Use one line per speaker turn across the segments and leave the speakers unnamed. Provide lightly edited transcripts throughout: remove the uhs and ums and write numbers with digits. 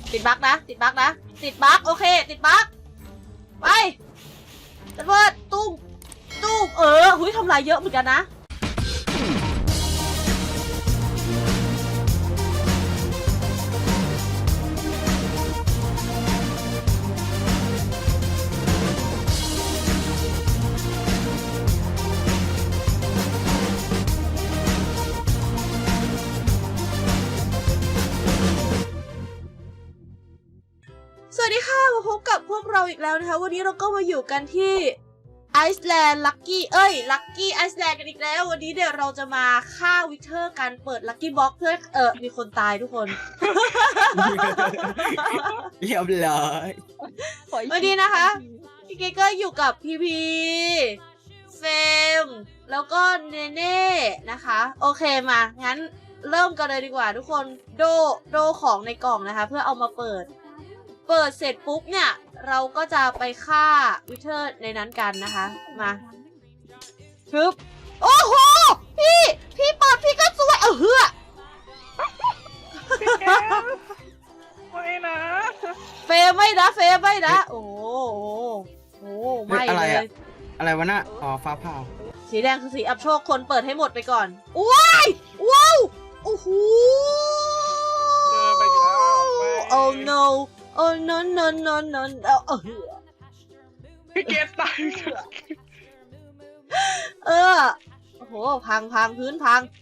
ติดบั๊กนะติดบั๊กนะติดบั๊กโอเคติดบั๊กไประเบิดตุ้มหุยทำลายเยอะเหมือนกันนะสวัสดีค่ะมาพบกับพวกเราอีกแล้วนะคะวันนี้เราก็มาอยู่กันที่ไอซ์แลนด์ลักกี้ลักกี้ไอซ์แลนด์กันอีกแล้ววันนี้เดี๋ยวเราจะมาฆ่าวิเทอร์กันเปิดลักกี้บ็อกเพื่อมีคนตายทุกคน
เรียบร้อย
วันนี้นะคะพี่เกก็อยู่กับพีพีเฟมแล้วก็เนเน่นะคะโอเคมางั้นเริ่มกันเลยดีกว่าทุกคนโดของในกล่องนะคะเพื่อเอามาเปิดเสร็จปุ๊บเนี่ยเราก็จะไปฆ่าวิเทอร์ในนั้นกันนะคะมาฮึบโอ้โหพี่เปิดพี่ก็สวยเฮือ
ไม่นะ
เฟไม่นะโอ้โหไม่เลย
อะไรวะน่ะอ๋อฟ้าผ่า
สีแดงคือสีอับโชคคนเปิดให้หมดไปก่อนว้ายว้าวโอ้โห
เจอไปแล้ว
oh no oh no no no no
พี่เกตตาย
โอ้โหพังพื้นพัง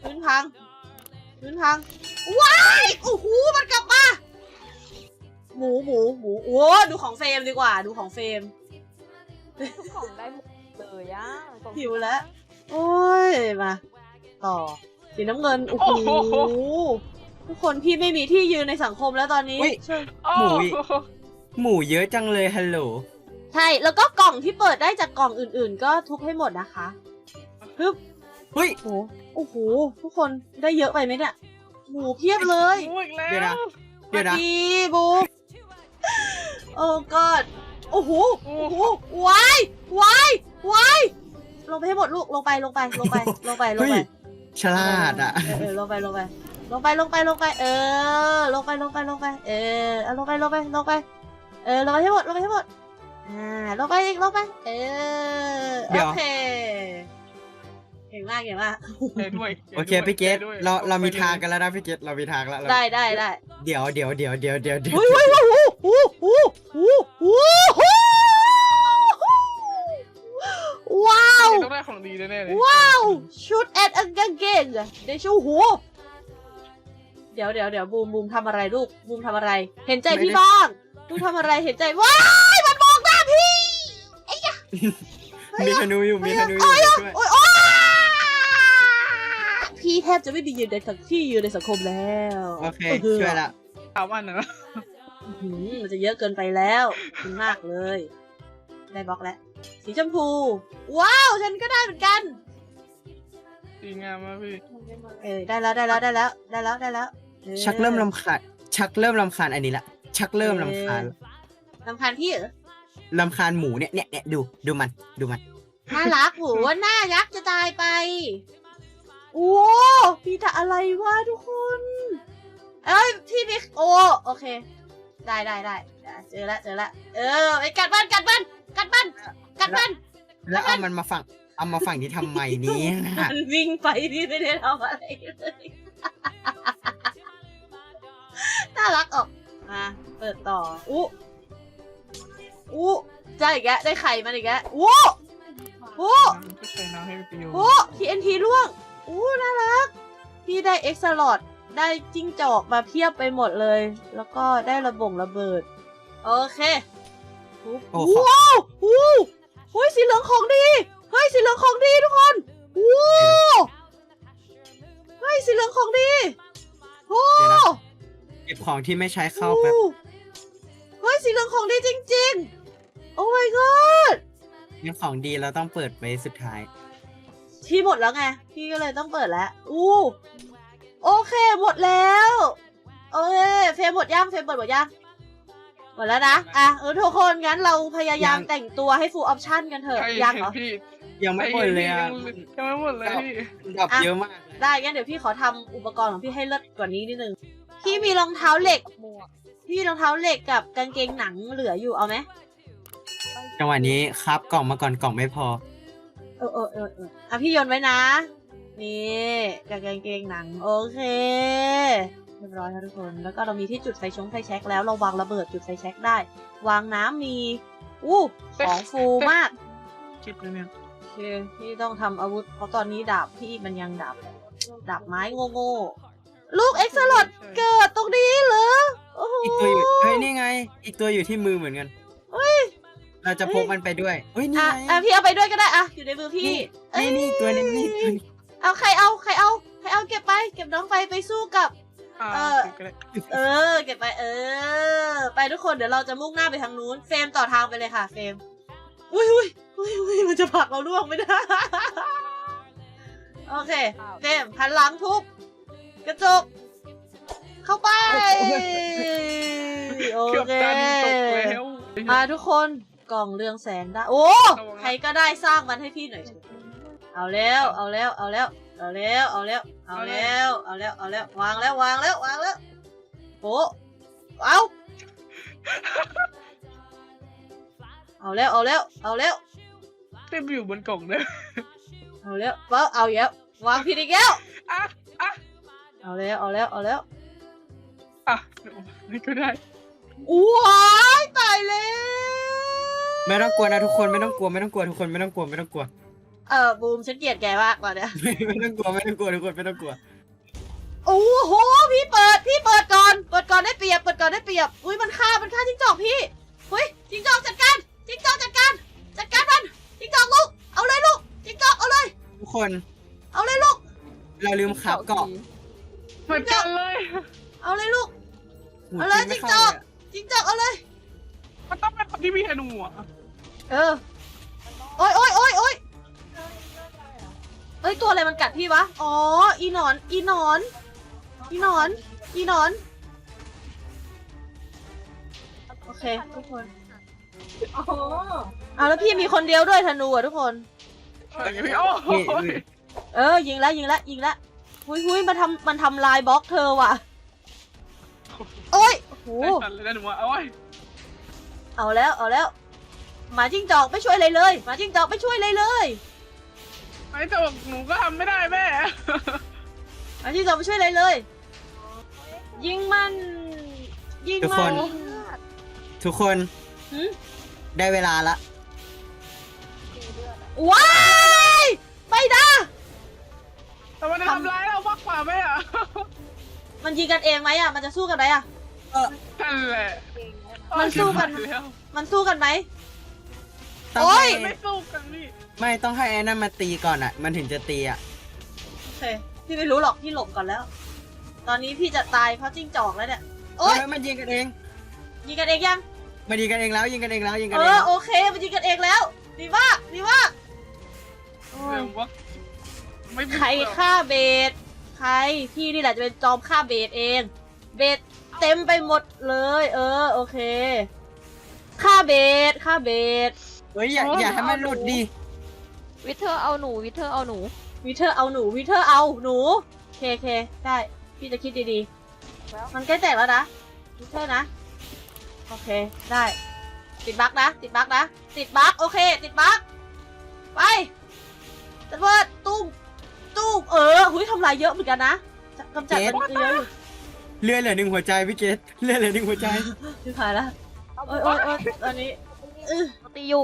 ว้ายโอ้โหมันกลับมาหมูโอ้ดูของเฟรมดีกว่าดูของเฟรม
ทุกของได้หมดเลยอ่ะ
หิวแล้วโอ้ยมาต่อสีน้ำเงินโอ้โหทุกคนพี่ไม่มีที่ยืนในสังคมแล้วตอนนี้ใช่
หมูเยอะจังเลยฮัลโหล
ใช่แล้วก็กล่องที่เปิดได้จากกล่องอื่นๆก็ทุบให้หมดนะคะฮึบ
เฮ้ย
โอ้โหทุกคนได้เยอะไปไหมเนี่ยหมูเพียบเลย
เดี๋ยวนะเดี๋ยวนะ
ดีบูมโอ้กอดโอ้โหวายลงไปให้หมดลูกลงไป
เฮ้ยฉลาดอ่ะ
ลงไปลงไปให้หมดลงไปลงไปให้หมดลงไปอีกโอเคเก่งมาก
โอเคพี่เกตเรามีทางกันแล้วนะพี่เกตเรามีทางแล้ว
ได้
เดี๋ยว
ว้าว
ต้องได้ของดีแน่ๆเลย
ว้าวชุดแอดกางเกงได้ชูหูเดี๋ยวบูมทำอะไรลูกบูมทำอะไรเห็นใจพี่บ้างบูมทำอะไรเห็นใจว้ายมันมองหน้าพี่ไอ้ยะ
มีธนูอยู่ช่วย
โอ๊ยพี่แทบจะไม่มียืนในสังคมแล้ว
โอเคช่วยละ
ถามว่านะ
มันจะเยอะเกินไปแล้วคุณมากเลยได้บล็อกแล้วสีชมพูว้าวฉันก็ได้เหมือนกัน
ดีงามมากพี่
ได้แล้ว
ชักเริ่มรำคาญอันนี้ละชักเริ่มรำคาญ
รำคาญพี่เหรอ
รำคาญหมูเนี่ยดูมัน
น่ารักโหน่ารักจะตายไปโอ้พี่จะอะไรวะทุกคนพี่บิ๊กโอเคได้เจอละไปกัดบ้าน
แล้วเอามันมาฝั่งที่ทำไมนี้นะ
มันวิ่งไปพี่ไม่ได้ทำอะไรเลยน่ารักออกมาเปิดต่อได้อีกแล้วได้ไข่มันอีกแล้ว
ใส่น้ำให้ประโยชน์
TNT ร่วงน่ารักพี่ได้ X Slot ได้จิ้งจอกมาเพียบไปหมดเลยแล้วก็ได้ระเบิดโอเคว้าวสีเหลืองของดีสีเหลืองของดีทุกคนสีเหลืองของดี
เก็บของที่ไม่ใช้เข้าแป๊บ
สีเหลืองของดีจริงๆโอ้ my god
งั้นของดีเราต้องเปิดไปสุดท้าย
ที่หมดแล้วไงพี่ก็เลยต้องเปิดแล้วโอเคหมดแล้วโอเคเฟรมหมดยังเฟรมเปิดหมดยังหมดแล้วนะทุกคนงั้นเราพยายามแต่งตัวให้ full option กันเถอะยังเหรอ
พี่
ยังไม่หมดเลยอ่ะ
ยังไม่หมดเลยพี่
ดอกเยอะมาก
ได้งั้นเดี๋ยวพี่ขอทำอุปกรณ์ของพี่ให้เลิศกว่านี้นิดนึงพี่มีรองเท้าเหล็กพี่รองเท้าเหล็กกับกางเกงหนังเหลืออยู่เอาไหม
จังหวะนี้ครับกล่องมาก่อนกล่องไม่พอ
อ่ะพี่โยนไว้นะ นี่กับกางเกงหนังโอเคเรียบร้อยค่ะทุกคนแล้วก็เรามีที่จุดไฟแช็กแล้วเราวางระเบิดจุดไฟแช็กได้ วางน้ำมีของฟูมาก
คิดเลยเนี่ย
โอเคพี่ต้องทำอาวุธเพราะตอนนี้ดาบพี่มันยังดาบไม้โง่ๆลูกเอ็กซ์ลอดเกิดตรงนี้เหรอโอ้โห
อีกตัวอยู่เฮ้ยนี่ไง อีกตัวอยู่ที่มือเหมือนกันเราจะพกมันไปด้วยเฮ้ยนี่
อ่ะ
ไง
พี่เอาไปด้วยก็ได้อ่ะอยู่ในมือพี่
นี่ตัวนึงนี่ตัวนึง
เอาใครเอาเก็บไปเก็บน้องไฟไปสู้กับ
ก็ได้
เก็บไปไปทุกคนเดี๋ยวเราจะมุ่งหน้าไปทางนู้นเฟรมต่อทางไปเลยค่ะเฟรมอุ้ยมันจะผลักเราล่วงไม่ได้ โอเคเฟรมหันหลังทุบกระจกเข้าไปโอ
เกือบ
เค
ดันตกแล้ว
ทุกคนกล่องเรืองแสงได้โอ้ใครก็ได้สร้างมันให้พี่หน่อยเถอะเอาแล้ววางแล้วโอ้เอาแล้ว
เต็มอยู่บนกล่องเลย
เอาแล้วเอาอีกแล้ววางผิดอีกแล้ว
อ่ะ
เอาแล้ว
อ่ะไม่ก็ได้
ว้ายตายแล้ว
ไม่ต้องกลัวนะทุกคนไม่ต้องกลัวทุกคนไม่ต้องกลัว
บูมฉันเกลียดแกมากกว่าเนี่ย
ไม่ต้องกลัวทุกคนไม่ต้องกลัว
โอ้โหพี่เปิดก่อนได้เปรียบอุ้ยมันฆ่าจิ้งจอกพี่อุ้ยจิ้งจอกจัดการมันจิ้งจอกลูกเอาเลยลูกจิ้งจอกเอาเลย
ทุกคน
เอาเลยลูก
เราลืมขับเกาะ
เหมือนกันเลย
เอาเลยลูก
หู
เอาเลย
ไม่
จิ้ง
ข้า
จอกเอาเลย
มันต้องเป็นคนที่มีธนูอ่ะ
โอ้ยเอ้ยตัวอะไรมันกัดพี่วะอ๋ออีหนอนโอเคทุกคนเอาแล้วพี่มีคนเดียวด้วยธนูอ่ะทุกคน
แต่ยังไม่โอ้โห
ยิงแล้วหุยมันทำลายบล็อกเธอว่ะโอ้ยโอ้โห
ได้สั่นเลยนะหนูเอาไว้
เอาแล้วหมาจิ้งจอกไม่ช่วยอะไรเลยหมาจิ้งจอกไม่ช่วยอะไรเลย
ไอ้แต่หนูก็ทำไม่ได้แม่
หมาจิ้งจอกไม่ช่วยอะไรเลย ยิงมัน
ทุกคน
หืม
ได้เวลาละ
ว้ายไปนะ
แต่มันทำร้ายเรามากกว่าแม่อะ
มันยิงกันเองไหมอ่ะมันจะสู้กันไหมอ่ะ
นั่นแหละ
มันสู้กัน
แล้ว
มันสู้กันไหม
ต้อง
โอ๊ย
ให้
ไม่สู้กันพี่
ไม่ต้องให้ไอ้นั่นมาตีก่อนอ่ะ มันถึงจะตีอ่ะ
โอเคพี่ไม่รู้หรอกพี่หลบก่อนแล้ว ตอนนี้พี่จะตายเพราะจิ้งจอกแล้วเนี่ยโอ๊ย
เฮ้ยมันยิงกันเอง
ยิงกันเองยัง
มันยิงกันเองแล้วยิงกันเองแล้ว
โอเคมันยิงกันเองแล้วดีมากโอ้ย
เรื่องว่าไม่มี
ใครฆ่าเบสใครพี่นี่แหละจะเป็นจอมฆ่าเบสเอง เบสเต็มไปหมดเลยโอเคฆ่าเบส
เฮ้ยอย่าให้มันหลุดดิ
วิเทอร์เอาหนู
วิเทอร์เอาหนูเคได้พี่จะคิดดีๆมันใกล้แตกแล้วนะวิเทอร์นะโอเคได้ติดบั๊กโอเคติดบั๊กไประเบิดตุ้มหุยทำลายเยอะเหมือนกันนะกำจัดมันเยอะอยู่
เลือดเหลือ1 หัวใจพี่เกดเลือดเหลือ1 หัวใจ
ชิบหายละโอ้ยตอนนี้
ตีอยู่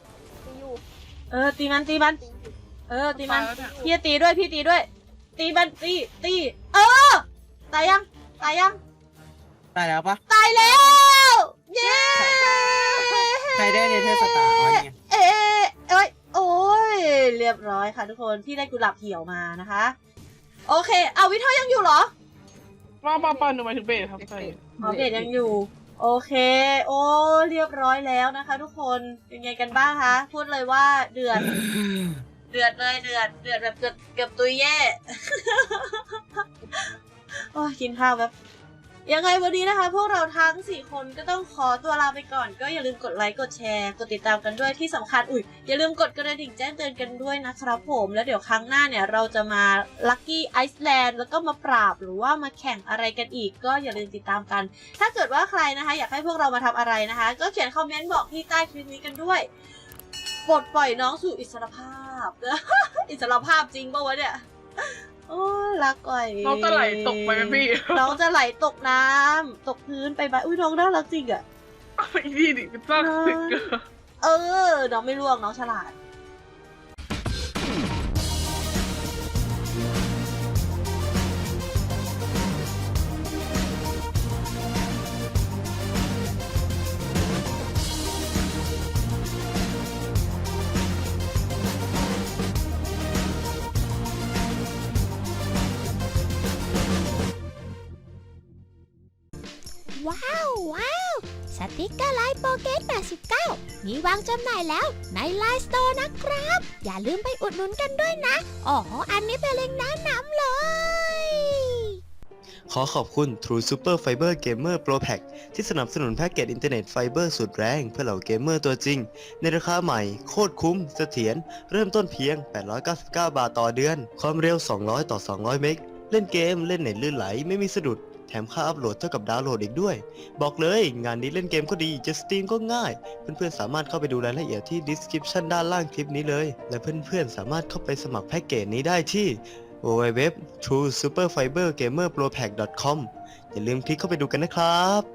ตีมัน
ตายแล้วเนี่ย
พี่จะตีด้วยตีมันตีตายยัง
ตายแล้วปะ
ตายแล้วเย้
ใครได้เนเธอร์สตาร์อ๋อนี่ไง
โอ้ยเรียบร้อยค่ะทุกคนพี่ได้กุหลาบเหี่ยวมานะคะโอเคเอาวิเทอร์ยังอยู่เหรอ
ป้าหนูหมายถึงเบสครับใช่
เบสยังอยู่โอเคโอ้เรียบร้อยแล้วนะคะ ทุกคนเป็นไงกันบ้างคะพูดเลยว่าเดือดเลยเดือดแบบเกือบตุยแย่ โอ้ยกินข้าวแบบยังไงวันนี้นะคะ พวกเราทั้ง4คนก็ต้องขอตัวลาไปก่อนก็อย่าลืมกดไลค์กดแชร์กดติดตามกันด้วยที่สำคัญอย่าลืมกดกระดิ่งแจ้งเตือนกันด้วยนะครับผมแล้วเดี๋ยวครั้งหน้าเนี่ยเราจะมาลัคกี้ไอซ์แลนด์แล้วก็มาปราบหรือว่ามาแข่งอะไรกันอีกก็อย่าลืมติดตามกัน ถ้าเกิดว่าใครนะคะอยากให้พวกเรามาทำอะไรนะคะ ก็เขียนคอมเมนต์บอกที่ใต้คลิปนี้กันด้วยปลดปล่อยน้องสู่อิสรภาพ อิสรภาพจริงปะวะเนี่ยโอ้รักก่อย
น้องจะไหลตกไปไหมพี่
น้องจะไหลตกน้ำตกพื้นไปบ้านอุ้ยน้องน่ารักจริงอะ
ไอ้นี่ดิเป็นซากสึกอะ
น้องไม่ร่วงน้องฉลาด
ว้าวสติกเกอร์ไลน์โปเกต89มีวางจำหน่ายแล้วในไลน์สโตร์นะครับ อย่าลืมไปอุดหนุนกันด้วยนะอ๋ออันนี้เป็นเล็งก์แนะนำเลย
ขอขอบคุณ True Super Fiber Gamer Pro Pack ที่สนับสนุนแพ็กเกจอินเทอร์เน็ตไฟเบอร์สุดแรงเพื่อเหล่าเกมเมอร์ตัวจริง ในราคาใหม่โคตรคุ้มเสถียรเริ่มต้นเพียง 899 บาทต่อเดือน ความเร็ว 200 ต่อ 200 เมกเล่นเกมเล่นเน็ตลื่นไหลไม่มีสะดุด แถมค่าอัพโหลดเท่ากับดาวน์โหลดอีกด้วย บอกเลยงานนี้เล่นเกมก็ดีจะสตรีมก็ง่าย เพื่อนๆสามารถเข้าไปดูรายละเอียดที่ description ด้านล่างคลิปนี้เลย และเพื่อนๆสามารถเข้าไปสมัครแพ็กเกจนี้ได้ที่ www.truesuperfibergamerpropack.com อย่าลืมคลิกเข้าไปดูกันนะครับ